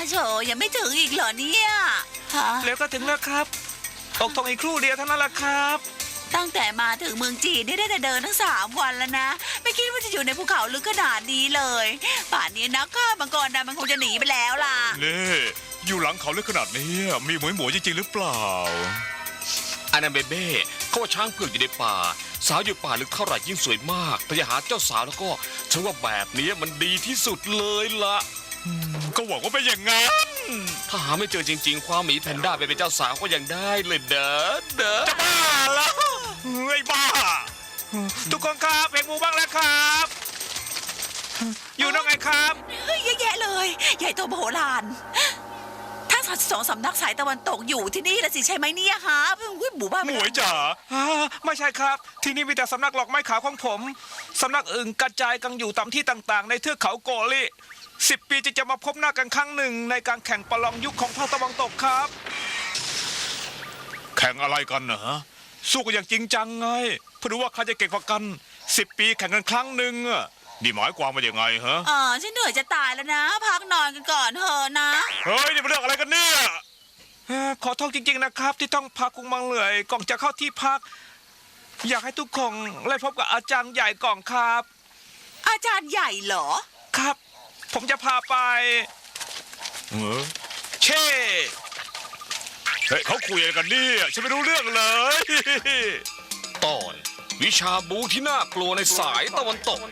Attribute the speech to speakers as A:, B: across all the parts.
A: โฉยังไม่ถึงอีกเหรอเนี่ยฮะ
B: แล้วก็ถึงแล้วครับออกทงอีกครู่เดียวเท่านั้นแหละครับ
A: ตั้งแต่มาถึงเมืองจีนนี่ได้แต่เดินทั้ง3 วันแล้วนะไม่คิดว่าจะอยู่ในภูเขาลึกขนาดนี้เลยป่านนี้นักฆ่ามังกรดำมันคงจะหนีไปแล้วล่ะ
C: นี่อยู่หลังเขาลึกขนาดนี้มีหมวยจริงๆหรือเปล่า
D: อานาเบเบ้เขาว่าช้างเผือกอยู่ในป่าสาวอยู่ป่าลึกเท่าไหร่ยิ่งสวยมากแต่อย่าหาเจ้าสาวแล้วก็ฉันว่าแบบนี้มันดีที่สุดเลยล่ะ
C: ก็หวังว่าเป็นอย่างงั้น
D: ถ้าหาไม่เจอจริงๆความหมีแพนด้าไปเป็นเจ้าสาวก็ยังได้เลยเด้อ
C: จะบ้าแล้วไอ้บ้า
B: ทุกคนครับเพลงหมูบ้างแล้วครับ อยู่ตรงไหนครับ
A: เฮ้ยเยอะแยะเลย ใหญ่โตมโหฬารทั้ง2 สำนักสายตะวันตกอยู่ที่นี่ละสิใช่ไหมเนี่ยฮะหมู่บ้าน
C: หมวยจ๋า
B: ไม่ใช่ครับ ที่นี่มีแต่สำนักหลอกไม้ขาวของผมสำนักอื่นกระจายกันอยู่ตามที่ต่างๆ ในเทือกเขาโกลิ10 ปีจะมาพบหน้ากันครั้งหนึ่งในการแข่งประลองยุคของภาคตะวันตกครับ
C: แข่งอะไรกันนะฮะสู้กันอย่างจริงจังไงเพื่อดูว่าใครจะเก่งกว่ากัน10 ปีแข่งกันครั้งหนึ่งอะนี่หมายความว่าอย่างไงฮะ
A: ฉันเหนื่อยจะตายแล้วนะ พักนอนกันก่อนเถอะนะ
C: เฮ้ยนี่เป็นเรื่องอะไรกันเนี่ย
B: ขอโทษจริงๆนะครับที่ต้องพาคุงมังเหลื่อยก่อนจะเข้าที่พัก อยากให้ทุกคนได้พบกับอาจารย์ใหญ่ก่อนครับ
A: อาจารย์ใหญ่เหรอ
B: ครับ ผมจะพาไป
C: เออ
B: เช่
C: เฮ้ยเขาคุยอะไรกันเนี่ยฉันไม่รู้เรื่องเลย
D: ตอนวิชาบูที่น่ากลัวในสายตะวันตก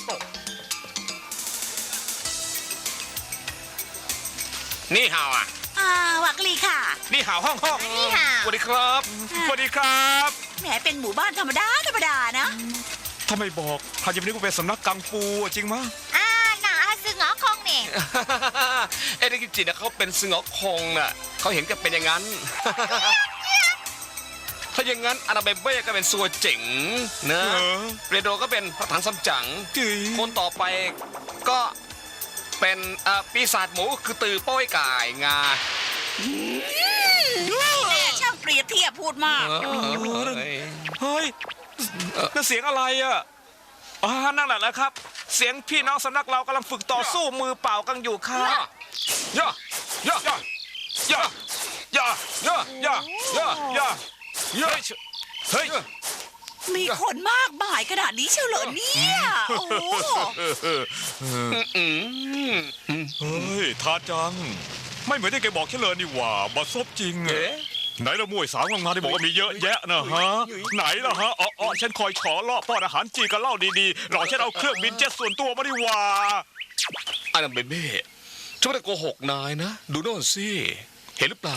D: นี่ฮาวอ่ะ
A: วักลีค่ะ
B: นี่หาวห้อง
A: นี่ค่ะ
D: สวัสดีครับ
B: สวัสดีครับ
A: แหมเป็นหมู่บ้านธรรมดานะ
B: ถ้าไม่บอกใครจะไม่รู้ว่าเป็นสำนักกังฟูจริงมั้ย
A: หนาซึงอ๋อคงเนี่ย
D: เอเดกิจินะเขาเป็นซึงอ๋อคงน่ะเขาเห็นกันเป็นอย่างนั้น ถ้าอย่างนั้นอานาเบเบ้ก็เป็นซัวเจ๋งนะเรโดก็เป็นพระถังซัมจั๋ง
B: จืย
D: คนต่อไปก็เป็นปีศาจหมูคือตือโป้ยก่ายงา
A: แม่ช่างเปรียบเทียบพูดมาก
B: เฮ้ยนั่นเสียงอะไรอ่ะนั่นแหละนะครับ เสียงพี่น้องสำนักเรากำลังฝึกต่อสู้มือเปล่ากันอยู่ครับ
D: ย่าย่าย่า
B: ย่าย่าย่าย่าย่าย่า
D: ย่า
B: เฮ้ย
A: มีคนมากมายขนาดนี้เชียวเหรอเนี่ย โอ้โห
C: เฮ้ยทาจัง ไม่เหมือนที่แกบอกฉันเลยนี่หว่าบาซบจริงอะ
D: เอ๊ะ
C: ไหนละมวยสาวงานที่บอกว่ามีเยอะแยะนะฮะ ไหนล่ะฮะอ๋อฉันคอยฉอล่อป้อนอาหารจีนกับเหล้าดีๆรอฉันเอาเครื่องบินเจ็ตส่วนตัวมาดีกว่า
D: อานาเบเบ้ฉันไม่ได้โกหกนายนะ ดูโน่นสิ เห็นหรือเปล่า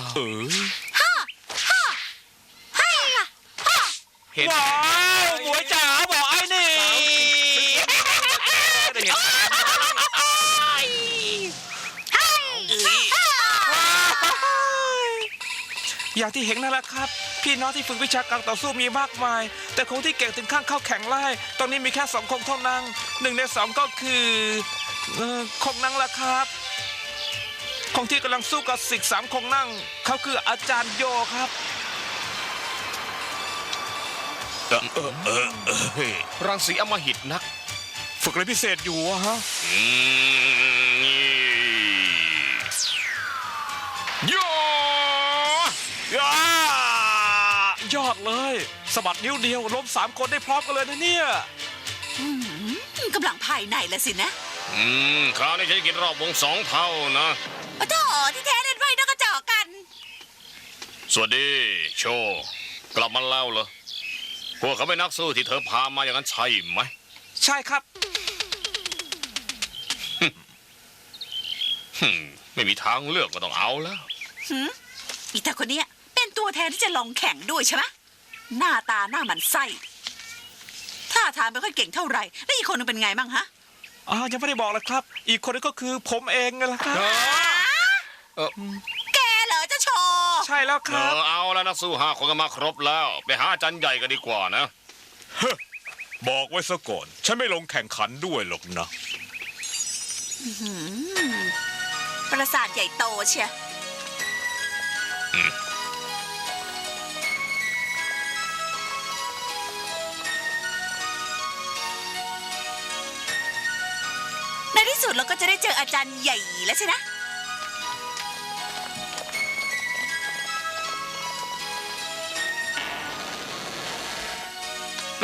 D: เห็น
B: ว้าวหมวยจ๋าบอกไอ้นี่
D: ได้เห็น
B: อย่างที่เห็นนั่นแหละครับ พี่น้องที่ฝึกวิชาการต่อสู้มีมากมาย แต่คงที่เก่งถึงขั้นเข้าแข่งไล่ตอนนี้มีแค่2 คนเท่านั้น1 ใน 2ก็คือคงนั่งละครับคงที่กำลังสู้กับศิษย์3 คงนั่งเขาคืออาจารย์โยครับ
D: รังสีอำมหิตนัก
C: ฝึกอะไรพิเศษอยู่อะฮะ
D: โย
B: ยอดเลยสะบัดนิ้วเดียวล้ม3 คนได้พร้อมกันเลยนะเนี่ย
A: กำลังภายในละสินะ
D: คราวนี้ฉันจะกินรอบวง2 เท่านะ
A: โอ้โถที่แท้เล่นไพ่นกกระจอกกัน
D: สวัสดี โชว์กลับมาแล้วเหรอ พวกเขาเป็นนักสู้ที่เธอพามาอย่างนั้นใช่ไหม
B: ใช่ครับ
D: ไม่มีทางเลือกก็ต้องเอาแล้ว
A: อีตาคนเนี้ยเป็นตัวแทนที่จะลองแข่งด้วยใช่ไหมหน้าตาหน้าหมันไส้ท่าทางไม่ค่อยเก่งเท่าไหร่แล้วอีกคนนึงเป็นไงบ้างฮะ
B: ยังไม่ได้บอกเลยครับ อีกคนนึงก็คือผมเองไงล่ะครับ
A: แกเหรอเจ้าโชว์
B: ใช่แล้วครับ
D: เอาแล้วนักสู้5 คนก็มาครบแล้ว ไปหาอาจารย์ใหญ่กันดีกว่านะ
C: บอกไว้ซะก่อน ฉันไม่ลงแข่งขันด้วยหรอกนะ
A: ปราสาทใหญ่โตเชียในที่สุดเราก็จะได้เจออาจารย์ใหญ่แล้วใช่นะ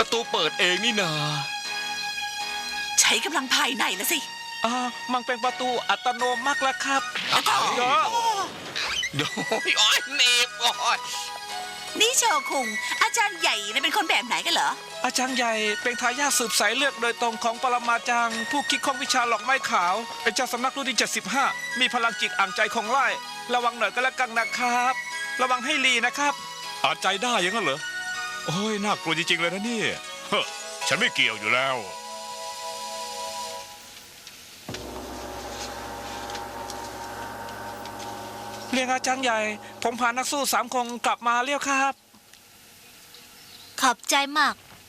D: ประตูเปิดเองนี่นา
A: ใช้กำลังภายในละสิ
B: มันเป็นประตูอัตโนมัติแล้วครับ
D: เอา
B: เดี๋ยว
D: โอ้ยเนบโอ้ย
A: นี่โชคุงอาจารย์ใหญ่เนี่ยเป็นคนแบบไหนกันเหรอ
B: อาจารย์ใหญ่เป็นทายาทสืบสายเลือดโดยตรงของปรมาจารย์ผู้คิดค้นวิชาหลอกไม้ขาว เป็นเจ้าสำนักรุ่นที่75มีพลังจิตอ่างใจของไล่ระวังหน่อยก็แล้วกันนะครับ ระวังให้ลีนะครับ
C: อาจใจได้อยังนั้นเหรอ โอ้ยน่ากลัวจริงๆเลยนะเนี่ยเฮ้อฉันไม่เกี่ยวอยู่แล้ว
B: เรียกอาจารย์ใหญ่ ผมพานักสู้3 คนกลับมาเรียวครับ
E: ขอบใจมาก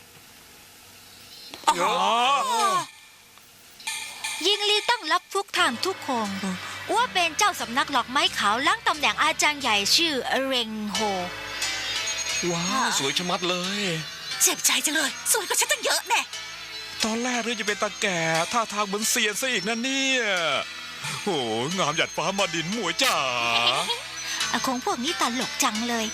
E: ยิงลีต้องรับทุกทางทุกคงว่าเป็นเจ้าสำนักหลอกไม้ขาวล้างตำแหน่งอาจารย์ใหญ่ชื่อเรงโฮ
D: ว้าวสวยชะมัดเลย
A: เจ็บใจจังเลย สวยกว่าฉันตั้งเยอะแน่
C: ตอนแรกเรื่องจะเป็นตาแก่ท่าทางเหมือนเซียนซะอีกนะเนี่ยโอ้งามหยัดฟ้ามาดินหมวยจ๋า
E: คงพวกนี้ตลกจังเลย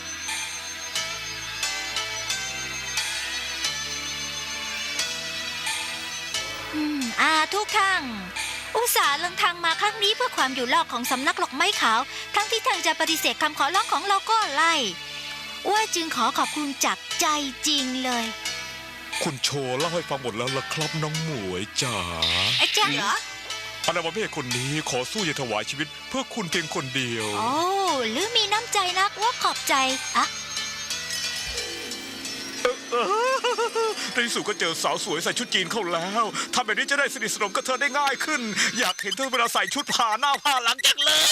E: ทุกท่านอุตส่าห์เดินทางมาครั้งนี้เพื่อความอยู่รอดของสำนักหลอกไม้ขาว ทั้งที่ท่านจะปฏิเสธคำขอร้องของเราก็ไล่ว่าจึงขอขอบคุณจากใจจริงเลย
C: คุณโชว์เล่าให้ฟังหมดแล้วล่ะครับน้องหมวยจ๋า
E: ไอ้จ๊ะ
A: เหรอ
C: อนาบาเบ้คนนี้ขอสู้อย่าถวายชีวิตเพื่อคุณเพียงคนเดียว
E: โอ้หรือมีน้ำใจนักว่าขอบใจอะ
C: ในที่สุดก็เจอสาวสวยใส่ชุดจีนเข้าแล้วทำแบบนี้จะได้สนิทสนมกับเธอได้ง่ายขึ้น อยากเห็นเธอเวลาใส่ชุดผ่าหน้าผ่าหลังจังเลย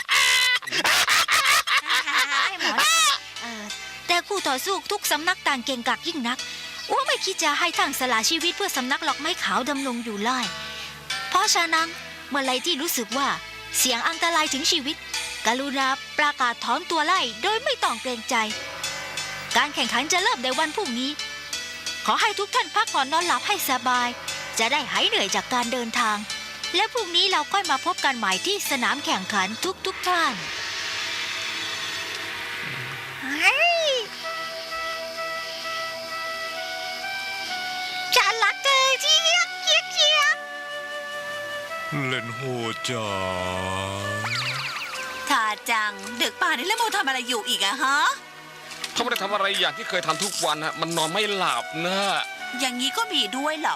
E: แต่คู่ต่อสู้ทุกสำนักต่างเก่งกาจยิ่งนักว่าไม่คิดจะให้ทางสละชีวิตเพื่อสำนักหลอกไม้ขาวดำรงอยู่ไล่เพราะฉะนั้นเมื่อไรที่รู้สึกว่าเสียงอันตรายถึงชีวิตกรุณาประกาศถอนตัวไล่โดยไม่ต้องเกรงใจ การแข่งขันจะเริ่มในวันพรุ่งนี้ขอให้ทุกท่านพักผ่อนนอนหลับให้สบายจะได้หายเหนื่อยจากการเดินทางและพรุ่งนี้เราค่อยมาพบกันใหม่ที่สนามแข่งขันทุกท่านฉันรักเธอเชียกเชียกเชียก
C: เล่นโหจ๋า
A: ท่าจัง ดึกป่านนี้แล้วโมทำอะไรอยู่อีกอะฮะ
D: เขาไม่ได้ทำอะไรอย่างที่เคยทำทุกวันฮะมันนอนไม่หลับนะ
A: อย่างนี้ก็มีด้วยเหรอ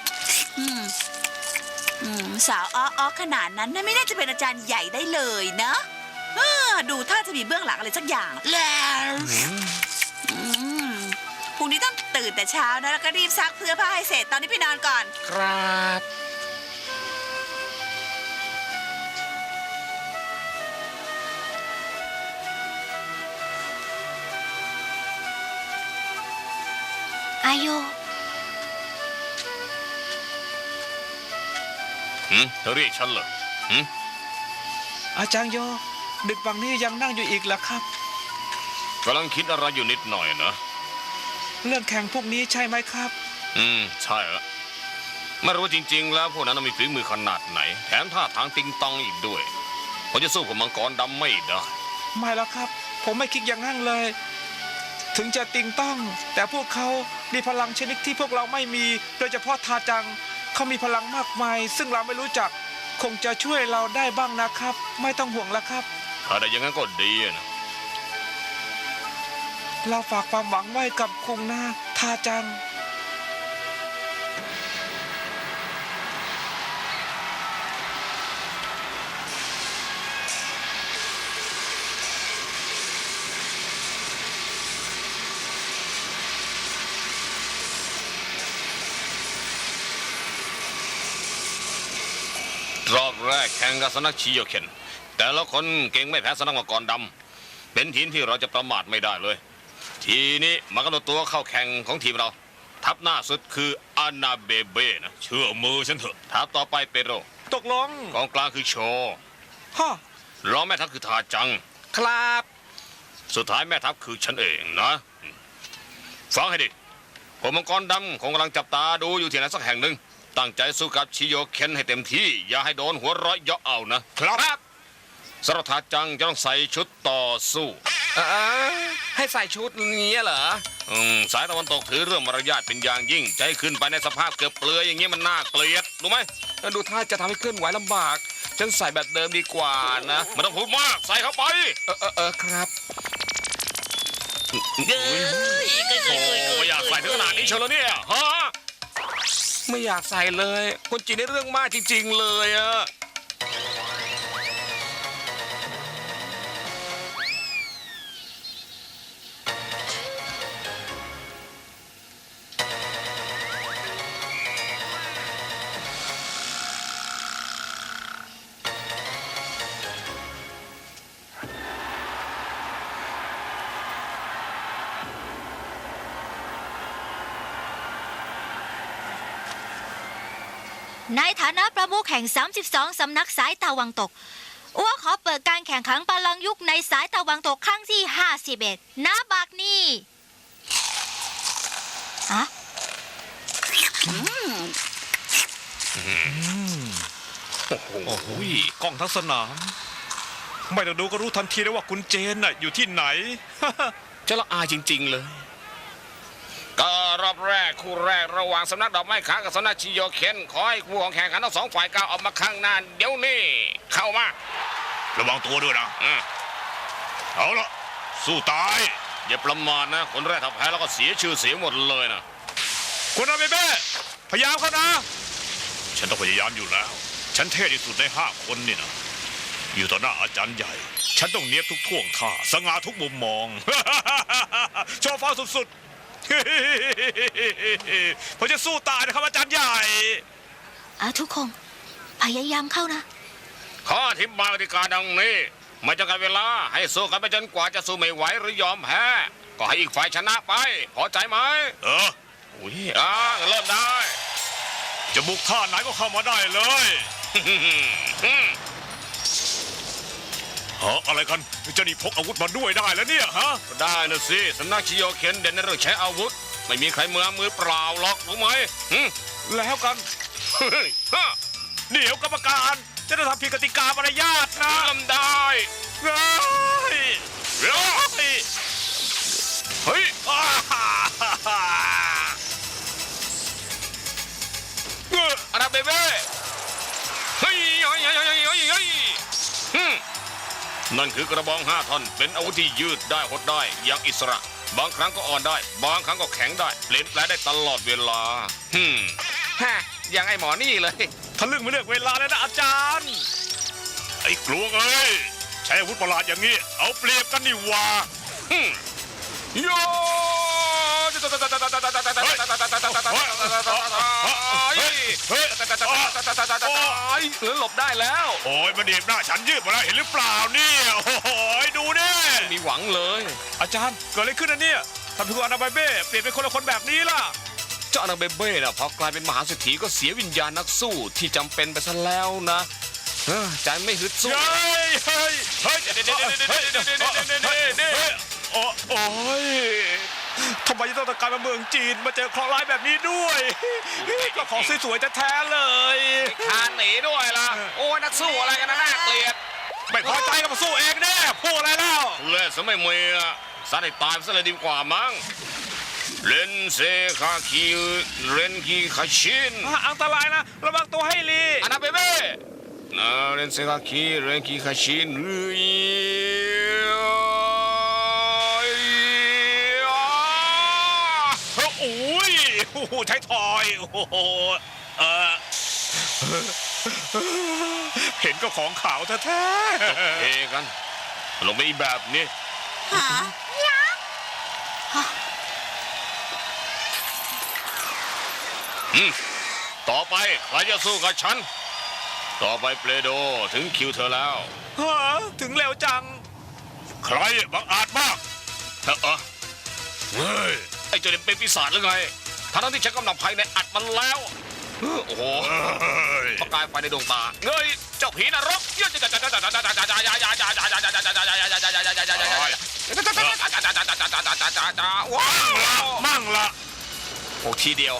A: สาวอ้อขนาดนั้นน่ะไม่น่าจะเป็นอาจารย์ใหญ่ได้เลยนะดูท่าจะมีเบื้องหลังอะไรสักอย่างแล้วพรุ่งนี้ต้องตื่นแต่เช้านะแล้วก็รีบซักเสื้อผ้าให้เสร็จตอนนี้ไปนอนก่อน
D: ครับ
E: อายุ
D: เธอเรียกฉันเหรอ
B: อาจารย์โย ดึกบังนี้ยังนั่งอยู่อีกเหรอครับ
D: กำลังคิดอะไรอยู่นิดหน่อยนะ
B: เรื่องแข่งพวกนี้ใช่ไหมครับ
D: ใช่ละไม่รู้จริงๆแล้วพวกนั้นมีฝีมือขนาดไหน แถมท่าทางติงตองอีกด้วยผมจะสู้กับมังกรดำไม่ได้
B: ไม่แล้วครับ ผมไม่คิดอย่างนั้นเลย ถึงจะติงต้อง แต่พวกเขามีพลังชนิดที่พวกเราไม่มี โดยเฉพาะทาจังเขามีพลังมากมาย ซึ่งเราไม่รู้จัก คงจะช่วยเราได้บ้างนะครับ ไม่ต้องห่วงแล้วครับ
D: ถ้าได้อย่างนั้นก็ดีนะ
B: เราฝากความหวังไว้กับคงนาทาจัง
D: รอบแรกแข่งกับสำนักชิโยเคนแต่ละคนเก่งไม่แพ้สำนักมังกรดำเป็นทีมที่เราจะประมาทไม่ได้เลย ทีนี้มากำหนดตัวเข้าแข่งของทีมเรา ทัพหน้าสุดคืออานาเบเบ้นะเชื่อมือฉันเถอะทัพต่อไปเปโร
B: ตกลง
D: กองกลางคือโช
B: ฮะ
D: รองแม่ทัพคือทาจัง
B: ครับ
D: สุดท้ายแม่ทัพคือฉันเองนะฟังให้ดีผมมังกรดำคงกำลังจับตาดูอยู่ที่ไหนสักแห่งหนึ่งตั้งใจสู้กับชิโยเคนให้เต็มที่อย่าให้โดนหัวเร้อยเยาะเอานะครับสำหรับทาจังจะต้องใส่ชุดต่อสู้
F: ให้ใส่ชุดนี้เหรอ
D: สายตะวันตกถือเรื่องมารยาทเป็นอย่างยิ่งจะให้ขึ้นไปในสภาพเกือบเปลือยอย่างนี้มันน่าเกลียดรู้ไหม
F: ดูท่าจะทำให้เคลื่อนไหวลำบาก ฉันใส่แบบเดิมดีกว่านะ
D: ไม่ต้องพูดมากใส่เข้าไป
F: ครับ
D: โอ้ไม่อยากใส่ถึงขนาดนี้เชียวเหรอเนี่ยฮะ
F: ไม่อยากใส่เลยคนจีนในเรื่องมากจริงๆเลยอะ
E: ในฐานะประมุขแห่ง 32 สำนักสายตะวันตกอ้วขอเปิดการแข่งขันประลองยุคในสายตะวันตกครั้งที่ 51 ณ บักนี้อะ
C: โอ้โหกล้องทั้งสนาม ไม่ต้องดูก็รู้ทันทีเลยว่าคุณเจนน่ะอยู่ที่ไหน
F: จะละอายจริงๆเลย
D: ก็รอบแรกคู่แรกระหว่างสำนักดอกไม้ขาวกับสำนักชิโยเคนขอให้คู่ของแข่งขันทั้งสองฝ่ายก้าวออกมาข้างหน้าเดี๋ยวนี้เข้ามา
C: ระวังตัวด้วยนะ เอาละสู้ตาย
D: อย่าประมาทนะคนแรกถ้าแพ้แล้วก็เสียชื่อเสียงหมดเลยนะ
C: คุณอาเบเบ้พยายามเข้านะ ฉันต้องพยายามอยู่แล้ว ฉันเท่ที่สุดใน5 คนนี่นะ อยู่ต่อหน้าอาจารย์ใหญ่ ฉันต้องเนียบทุกท่วงท่าสง่าทุกมุมมอง โชว์ฟ้าสุดๆ ผมจะสู้ตายนะครับอาจารย์ใหญ่
E: ทุกคนพยายามเข้านะ
D: ข้ออธิบายกติกาดังนี้ไม่จำกัดเวลาให้สู้กันไปจนกว่าจะสู้ไม่ไหวหรือยอมแพ้ก็ให้อีกฝ่ายชนะไปพอใจไหม
F: อุ้ย
D: เริ่มได้
C: จะบุกท่าไหนก็เข้ามาได้เลยอะไรกันจะนี่พกอาวุธมาด้วยได้แล้วเนี่ยฮะ
D: ได้นะสิสำนักชิโยเคนเด่นในเรื่องใช้อาวุธไม่มีใครมือเปล่าหรอกรู้ไหม
C: แล้วกัน เดี๋ยวกรรมการจะได้ทำผิดกติกามารยาทนะ
D: เริ่มได้
C: เฮ้ย
D: เร็วเฮ้ย อาราเบเบ้เฮ้ยนั่นคือกระบอง5 ท่อนเป็นอาวุธที่ยืดได้หดได้อย่างอิสระบางครั้งก็อ่อนได้บางครั้งก็แข็งได้เปลี่ยนแปลงได้ตลอดเวลา
F: ฮะอย่างไอหมอนี่เลย
C: ทะลึ่งไม่เลือกเวลาเลยนะอาจารย์ ไอ้กลัวเอ้ยใช้อาวุธประหลาดอย่างนี้ เอาเปรียบกันนี่หว่า
D: โย
F: หลบได้แล้ว
C: โอ้ยมันเดียบหน้าฉันยืดหมดแล้วเห็นหรือเปล่าเนี่ยโอ้ยดูเนี่ย
F: มีหวังเลย
C: อาจารย์เกิดอะไรขึ้นนะเนี่ยทำไมคุณอานาไบเบ้เปลี่ยนเป็นคนละคนแบบนี้ล่ะ
F: เจ้าอนาเบเบ้น่ะพอกลายเป็นมหาเศรษฐีก็เสียวิญญาณนักสู้ที่จำเป็นไปซะแล้วนะใจไม่ฮึดสู้
C: เฮ้ยเฮ้ยเฮ้ยโอ้ยทำไมจะต้องตะการมาเมืองจีนมาเจอเคราะห์ร้ายแบบนี้ด้วยก็ของสวยๆแท้ๆเลย
F: คานหนีด้วยล่ะโอ้นักสู้อะไรกันนะน่าเกลียด
C: ไม่พอใจก็มาสู้เองแน่พูดอะไรแล้ว
D: เล่นซะไม่มีอ่ะสัตว์ให้ตายซะเลยดีกว่ามั้งเรนเซคาคิเรนคีคาชิน
C: อันตรายนะระวังตัวให้ลี
F: อนาเบเบ้
D: เรนเซคาคิเรนคีคาชิน
C: โอ้ยใช้ทอยโอ้โหเห็นก็ของขาวแท้
D: เอกันลงไปอีกแบบนี้ ต่อไปใครจะสู้กับฉัน ต่อไปเปโดถึงคิวเธอแล้ว
C: ๆฮะถึงเร็วจัง ใครบังอาจมาก
D: เฮ้ย ไอ้เจ้าเนี่ยเป็นปีศาจหรือไงทั้งที่ฉันกำลังภายในอัดมันแล้ว โอ้โหประกายไฟในดวงตาเงยเจ้าผีนรก
C: มั่งละ
F: โอ้ทีเดียว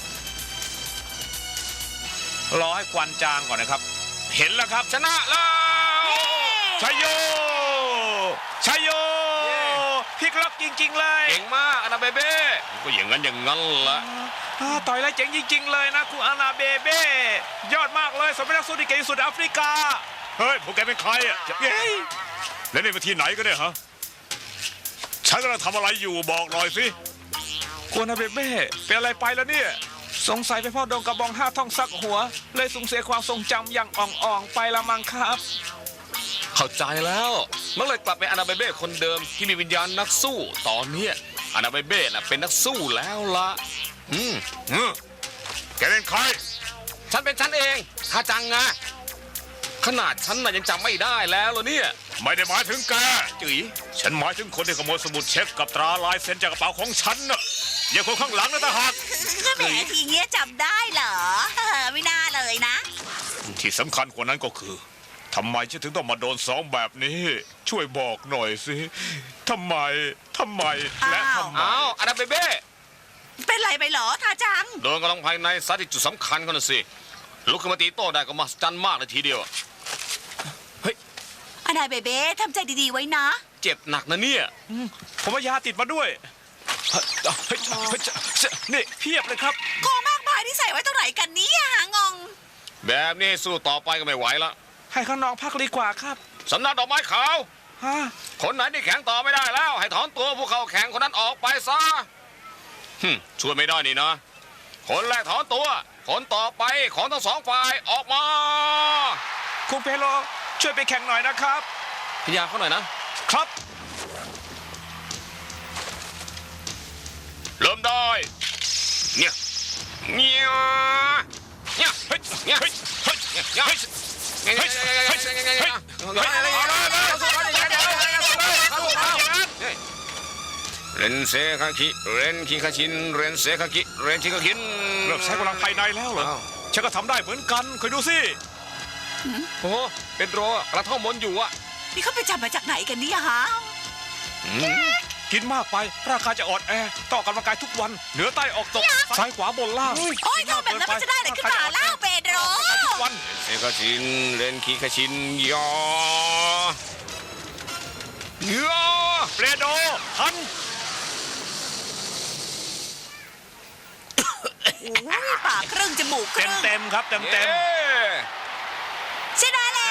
C: รอให้ควันจางก่อนนะครับ เห็นแล้วครับ
D: ชนะแล้ว
C: ชัยโยชัยโย
B: จริงๆเลย
F: เก่งมากอานาเบเบ้
C: ก็อย่างนั้นละ
B: ต่อยแล้วเจ๋งจริงๆเลยนะคุณอานาเบเบ้ยอดมากเลยสมเป็นนักสู้ที่เก่งที่สุดในแอฟริกา
C: เฮ้ยพวกแกเป็นใครอ่ะ
B: เย้ย
C: แล้วนี่มาที่ไหนกันเนี่ยฮะฉันกำลังทำอะไรอยู่บอกหน่อยสิ
B: คุณอานาเบเบ้เป็นอะไรไปแล้วเนี่ยสงสัยไปพ่อโดนกระบอง5ท่องซักหัว เลยสูญเสียความทรงจำอย่างอ่องๆไปละมั้งครับ
F: เข้าใจแล้วมันเลยกลับไปอานาเบเบ้คนเดิมที่มีวิญญาณนักสู้ตอนเนี้ยอานาเบเบ้น่ะเป็นนักสู้แล้วละ
C: แกเป็นใคร
F: ฉันเป็นฉันเองฮาจังไงขนาดฉันน่ะยังจำไม่ได้แล้วเหรอเนี่ย
C: ไม่ได้หมายถึงแก
F: จุ๋ย
C: ฉันหมายถึงคนที่ขโมยสมุดเช็คกับตราลายเซ็นจากกระเป๋าของฉันน่ะอย่าคนข้างหลังนะตาหัก
A: แหมทีเงี้ยจำได้เหรอไม่น่าเลยนะ
C: ที่สำคัญกว่านั้นก็คือทำไมฉันถึงต้องมาโดนซ้อมแบบนี้ ช่วยบอกหน่อยสิทำไมและทำไม
F: อ้าวอานาเบเบ้
A: เป็นไรไปเหรอทาจัง
F: โดนกำลังภายในซัดที่จุดสำคัญเขาน่ะสิลุกขึ้นมาตีโต้ได้ก็มหัศจรรย์มากเลยทีเดียว
A: อานาเบเบ้ทำใจดีๆไว้นะ
F: เจ็บหนักนะเนี่ย
B: ผมเอายาติดมาด้วยนี่เพียบเลยครับ
A: ของมากมายที่ใส่ไว้ตรงไหนกันเนี่ยงง
F: แบบนี้สู้ต่อไปก็ไม่ไหวละ
B: ให้ข้างนอกพักดีกว่าครับ
F: สำนักดอกไม้ขาว
B: ฮะ
F: คนไหนที่แข่งต่อไม่ได้แล้ว ให้ถอนตัวผู้เข้าแข่งคนนั้นออกไปซะช่วยไม่ได้นี่นะ คนแรกถอนตัว คนต่อไปของทั้งสองฝ่ายออกมา
B: คุณเปโลช่วยไปแข่งหน่อยนะครับ
F: พยายามเขาหน่อยนะครับ เริ่มได้เนี่ยเนี่ยเนี่ยเฮ้ยเนี่ยเฮ้ยเฮ้ยเนี่ยเฮ้ยเฮ้ยเฮ้ยเฮ้ยเรนเซคาคิเรนคิคาชินเรนเซคาคิเรนคิคาคิน
B: เลิกใช้กำลังภายในแล้วเหรอฉันก็ทำได้เหมือนกันคอยดูสิ
F: โอ้เป็นโรกระท่อมมนอยู่อ่ะ
A: นี่เขาไปจับมาจากไหนกันเนี่ยฮะ
B: กินมากไปร่างกายจะอ่อนแอต้องออกกำลังกายทุกวันเหนือใต้ออกตกซ้ายขวาบนล่าง
A: โอ้ยทำแบบนั้นมันจะได้อะไรขึ้นมาเล่าเปโดร
B: ทุกวัน
F: เซคาชินเรนคิคาชินยอยอ
B: เปรโดทัน
A: โอ้ยปากครึ่งจมูกครึ่ง
B: เต็มครับเต็ม
F: เย้
A: ชนะแล้ว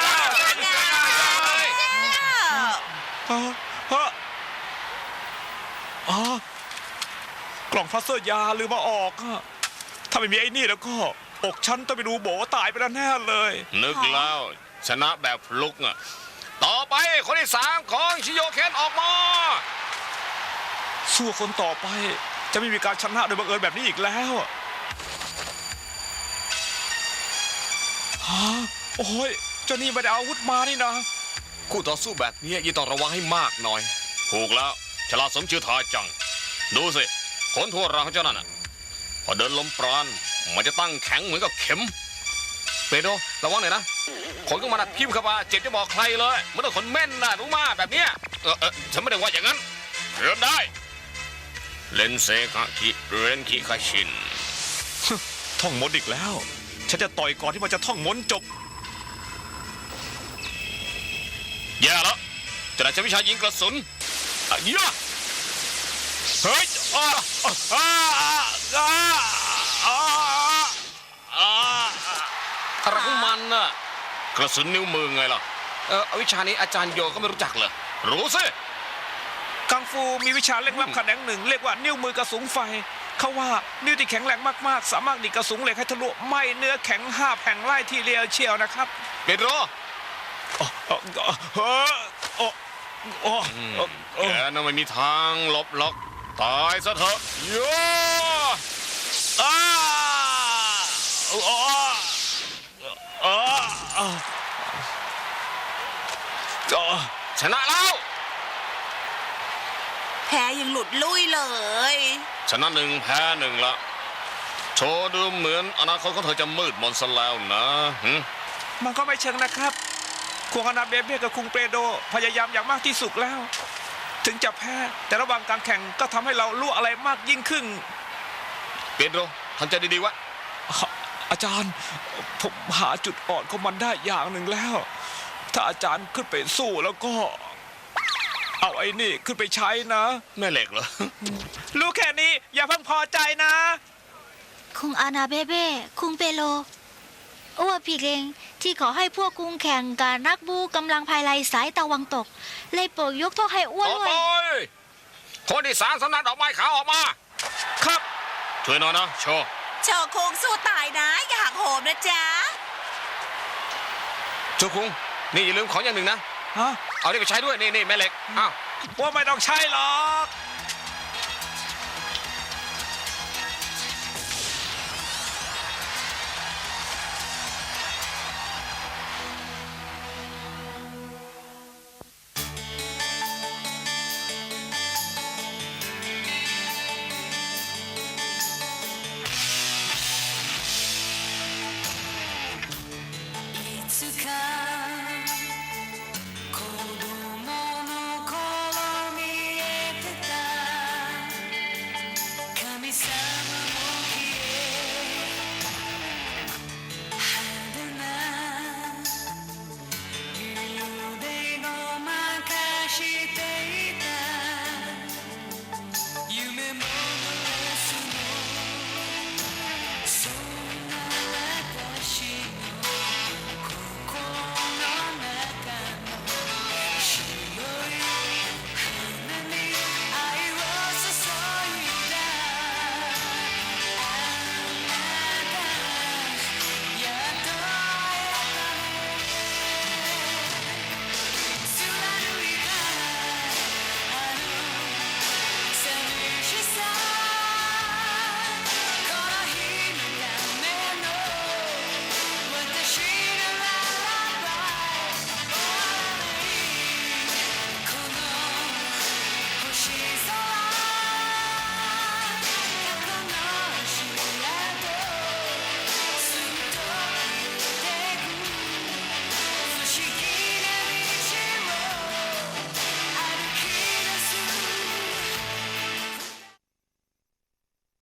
B: กล่องพลาสเตอร์ยาลืมมาออกอะถ้าไม่มีไอ้นี่แล้วก็อกฉันต้องไปดูโบตายไปแล้วแน่เลย
F: นึกแล้วชนะแบบฟลุกอ่ะต่อไปคนที่สามของชิโยเคนออกมา
B: สู้คนต่อไปจะไม่มีการชนะโดยบังเอิญแบบนี้อีกแล้วฮะโอ้ยเจ้านี่ไม่ได้เอาอาวุธมานี่นะ
F: คู่ต่อสู้แบบนี้ยิ่งต้องระวังให้มากหน่อยถูกแล้วฉลาดสมชื่อทาจังดูสิขนทั่วร่างของเจ้านั่นน่ะพอเดินลมปราณมันจะตั้งแข็งเหมือนกับเข็มเปโดระวังหน่อยนะขนก็มันพิมพ์เข้ามาเจ็บจะบอกใครเลยมันต้องขนแม่นนะรู้มาแบบเนี้ยฉันไม่ได้ว่าอย่างนั้นเริ่มได้เลนเซคาคิเรนคิคาชิน
B: ท่องมนต์อีกแล้ว ฉันจะต่อยก่อนที่มันจะท่องมนต์จบ
F: แย่แล้วจะได้ใช้วิชายิงกระสุนเยอะ
B: เฮ้ย
F: อะไรของมันน่ะกระสุนนิ้วมือไงล่ะวิชานี้อาจารย์โยก็ไม่รู้จักเลยรู้สิ
B: กังฟูมีวิชาเล่นลับแขนงหนึ่งเรียกว่านิ้วมือกระสุนไฟเขาว่านิ้วที่แข็งแรงมากๆสามารถดีดกระสุนเหล็กให้ทะลุไหม้เนื้อแข็ง5แผ่นไล่ทีเดียวเชียวนะครับ
F: เปโดรแกน่ะไม่มีทางหลบล็อกตายซะเถอะโยชนะแล้ว
A: แพ้ยังหลุดลุ่ยเลย
F: ชนะหนึ่งแพ้หนึ่งละโชว์ดูเหมือนอนาคตของเธอจะมืดมนซะแล้วนะ
B: มันก็ไม่เชิงนะครับคุงอานาเบเบ้กับคุงเปโดพยายามอย่างมากที่สุดแล้ว ถึงจะแพ้แต่ระหว่างการแข่งก็ทำให้เรารู้อะไรมากยิ่งขึ้น
F: เปโดรทำใจดีๆวะ
B: อาจารย์ผมหาจุดอ่อนของมันได้อย่างหนึ่งแล้ว ถ้าอาจารย์ขึ้นไปสู้แล้วก็เอาไอ้นี่ขึ้นไปใช้นะ
F: แม่เหล็กเหรอ
B: รู้แค่นี้อย่าเพิ่งพอใจนะ
E: คุงอานาเบเบ้คุงเปโลอ้วผิดเองที่ขอให้พวกคุงแข่งกับนักบูกำลังภายไลสายตะวันตก เลยโปรดยกโทษให้อ้วน
F: ต่อ
E: ด้ว
F: ไป
E: ย
F: คนที่สามสำนักดอกไม้ขาวออกมา
B: ครับ
F: ช่วยหน่อยนะโชว์
A: โชว์โคงสู้ตายนะ อย่าหักโหมนะจ๊ะ
F: โชว์คุงนี่อย่าลืมของอย่างหนึ่งนะ
B: ฮะ
F: เอานี่ไปใช้ด้วยนี่แม่เหล็กอ้าว
B: ว่าไม่ต้องใช้หรอก